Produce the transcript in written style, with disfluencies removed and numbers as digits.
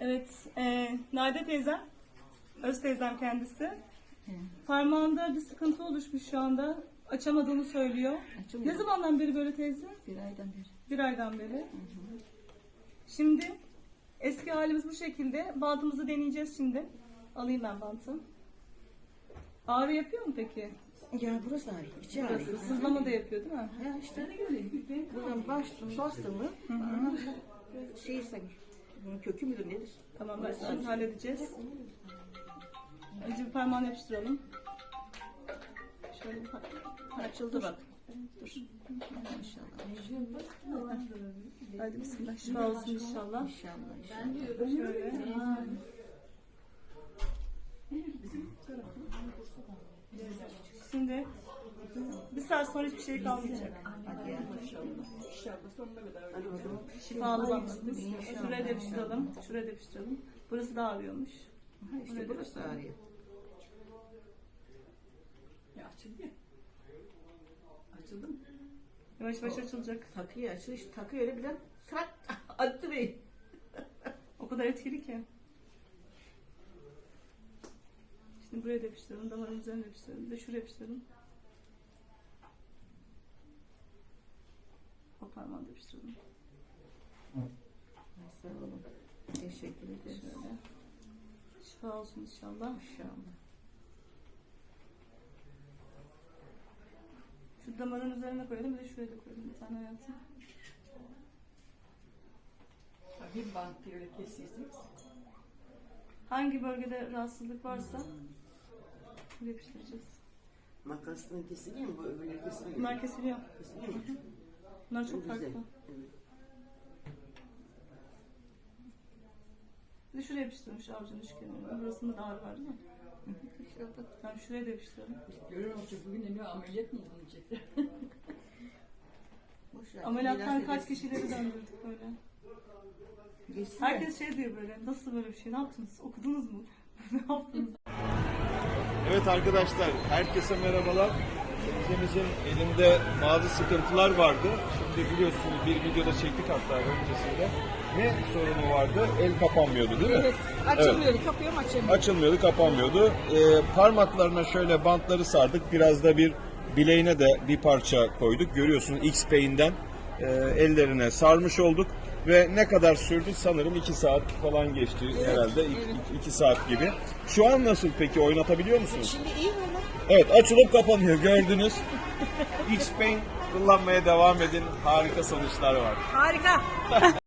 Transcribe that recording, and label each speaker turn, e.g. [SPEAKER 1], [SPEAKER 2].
[SPEAKER 1] Evet, Nade teyzem, öz teyzem kendisi. Parmağında bir sıkıntı oluşmuş şu anda. Açamadığını söylüyor.
[SPEAKER 2] Açılmıyor.
[SPEAKER 1] Ne zamandan beri böyle teyze?
[SPEAKER 2] Bir aydan beri.
[SPEAKER 1] Bir aydan beri. Şimdi eski halimiz bu şekilde. Bantımızı deneyeceğiz şimdi. Alayım ben bantı. Ağrı yapıyor mu peki?
[SPEAKER 2] Ya burası ağrıyor. İçi
[SPEAKER 1] Burası
[SPEAKER 2] ağrıyor.
[SPEAKER 1] sızlama da yapıyor değil mi?
[SPEAKER 2] Ya işte buradan bastım mı? Şey sanki. Bunun kökü müdür nedir?
[SPEAKER 1] Tamam, ben şimdi halledeceğiz. Önce bir parmağını yapıştıralım. Şöyle bir
[SPEAKER 2] Açıldı bak.
[SPEAKER 1] Dur.
[SPEAKER 2] İnşallah.
[SPEAKER 1] Hadi bismillah. Şifa olsun inşallah.
[SPEAKER 2] İnşallah.
[SPEAKER 1] Şöyle. Şimdi bir saat sonra hiçbir şey kalmayacak.
[SPEAKER 2] Hadi ya. Hadi o zaman.
[SPEAKER 1] Şifalı bantımız. Şuraya da yapıştıralım. Şuraya da yapıştıralım. Burası da ağrıyormuş.
[SPEAKER 2] Ha, işte burası ağrıyor.
[SPEAKER 3] Ya açıldı ya. Açıldı mı?
[SPEAKER 1] Yavaş yavaş açılacak.
[SPEAKER 2] Takıyı açıyor. İşte takıyor öyle birden tak attı beni.
[SPEAKER 1] O kadar etkili ki. Şimdi buraya da yapıştıralım. Damarın üzerine yapıştıralım. Bir de şuraya yapıştıralım. O parmağı da yapıştıralım.
[SPEAKER 2] Sağ olun. Teşekkür ederim.
[SPEAKER 1] Şöyle. Şifa olsun inşallah.
[SPEAKER 2] İnşallah.
[SPEAKER 1] Şu damarın üzerine koyalım. Bir de şuraya da koyalım. Bir tane hayatım.
[SPEAKER 3] Bir bant böyle kesiyorsunuz.
[SPEAKER 1] Hangi bölgede rahatsızlık varsa buraya yapıştıracağız.
[SPEAKER 2] Makasla kesiliyor mu? Bu öbürleri kesiliyor.
[SPEAKER 1] Bunlar kesiliyor.
[SPEAKER 2] Kesiliyor mu?
[SPEAKER 1] Bunlar çok
[SPEAKER 2] Güzel.
[SPEAKER 1] farklı.
[SPEAKER 2] Evet.
[SPEAKER 1] Bir de şuraya yapıştırmış avucunun şu kenarına. Burasında da ağrı var değil mi?
[SPEAKER 2] İnşallah.
[SPEAKER 1] Yani şuraya da yapıştıralım.
[SPEAKER 3] Görüyor musun? Bugün de ne ameliyat mı bulunacaklar?
[SPEAKER 2] Boş ver.
[SPEAKER 1] Ameliyattan
[SPEAKER 2] Biraz
[SPEAKER 1] kaç
[SPEAKER 2] geçsin.
[SPEAKER 1] kişileri döndürdük böyle.
[SPEAKER 2] Geçsin de.
[SPEAKER 1] Herkes şey diyor böyle, nasıl böyle bir şey, ne yaptınız, okudunuz mu? Ne yaptınız?
[SPEAKER 4] Evet arkadaşlar, herkese merhabalar. Teyzemizin elinde bazı sıkıntılar vardı. Şimdi biliyorsunuz bir videoda çektik hatta öncesinde. Ne sorunu vardı? El kapanmıyordu değil mi?
[SPEAKER 3] Evet. Açılmıyordu. Kapıyorum açılmıyor.
[SPEAKER 4] Açılmıyordu, kapanmıyordu. Parmaklarına şöyle bantları sardık. Biraz da bir bileğine de bir parça koyduk. Görüyorsunuz X-Pay'inden ellerine sarmış olduk. Ve ne kadar sürdü? Sanırım 2 saat falan geçti herhalde. 2 saat gibi. Şu an nasıl peki? Oynatabiliyor musunuz?
[SPEAKER 2] Şimdi iyi mi?
[SPEAKER 4] Evet, açılıp kapanıyor gördünüz. X-Pain kullanmaya devam edin. Harika sonuçlar var.
[SPEAKER 3] Harika.